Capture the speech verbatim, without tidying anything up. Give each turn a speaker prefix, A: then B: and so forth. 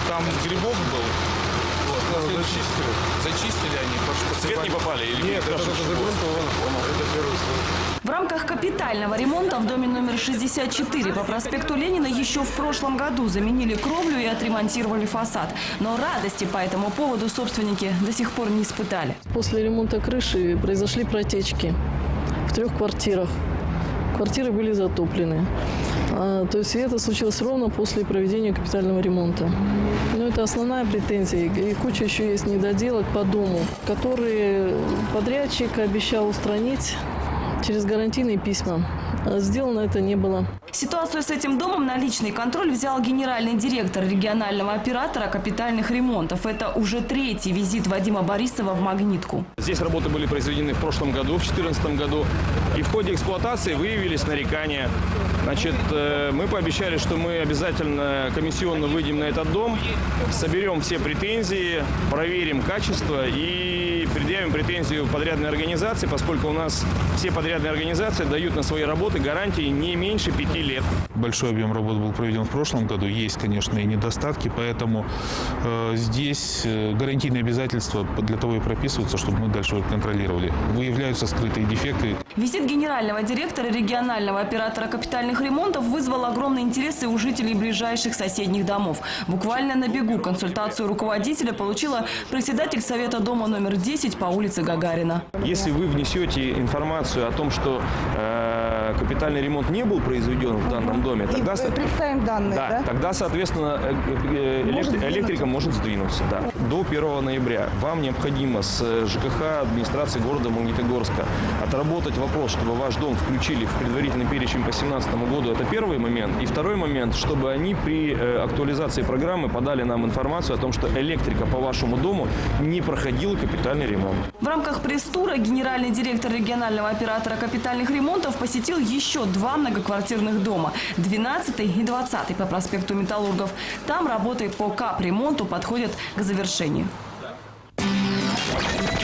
A: там грибок был. Вот,
B: Ну,
A: следующий-
B: зачистили?
A: Зачистили они.
C: В цвет не попали? Или
B: Нет, это, это загрунтовано. Это первый слой.
D: В рамках капитального ремонта в доме номер шестьдесят четыре по проспекту Ленина еще в прошлом году заменили кровлю и отремонтировали фасад. Но радости по этому поводу собственники до сих пор не испытали.
E: После ремонта крыши произошли протечки в трех квартирах. Квартиры были затоплены. А, то есть это случилось ровно после проведения капитального ремонта. Но это основная претензия. И куча еще есть недоделок по дому, которые подрядчик обещал устранить через гарантийные письма. А сделано это не было.
D: Ситуацию с этим домом на личный контроль взял генеральный директор регионального оператора капитальных ремонтов. Это уже третий визит Вадима Борисова в «Магнитку».
C: Здесь работы были произведены в прошлом году, в две тысячи четырнадцатом году. И в ходе эксплуатации выявились нарекания. Значит, мы пообещали, что мы обязательно комиссионно выйдем на этот дом, соберем все претензии, проверим качество и предъявим претензию подрядной организации, поскольку у нас все подрядные организации дают на свои работы гарантии не меньше пяти лет.
A: Большой объем работ был проведен в прошлом году. Есть, конечно, и недостатки, поэтому э, здесь э, гарантийные обязательства для того и прописываются, чтобы мы дальше их контролировали. Выявляются скрытые дефекты.
D: Визит генерального директора регионального оператора капитальных ремонтов вызвал огромный интерес и у жителей ближайших соседних домов. Буквально на бегу консультацию руководителя получила председатель совета дома номер десять по улице Гагарина.
C: Если вы внесете информацию о том, что э, капитальный ремонт не был произведен в данном доме, тогда,
F: И представим данные,
C: да,
F: да?
C: тогда, соответственно, э, э,
F: Может
C: электри- электрика может сдвинуться. Да. До первого ноября вам необходимо с ЖКХ администрации города Магнитогорска отработать вопрос, чтобы ваш дом включили в предварительный перечень по две тысячи семнадцатому году. Это первый момент. И второй момент, чтобы они при э, актуализации программы подали нам информацию о том, что электрика по вашему дому не проходила капитальный ремонт.
D: В рамках пресс-тура генеральный директор регионального оператора капитальных ремонтов посетил еще два многоквартирных дома – двенадцатый и двадцатый по проспекту Металлургов. Там работы по капремонту подходят к завершению.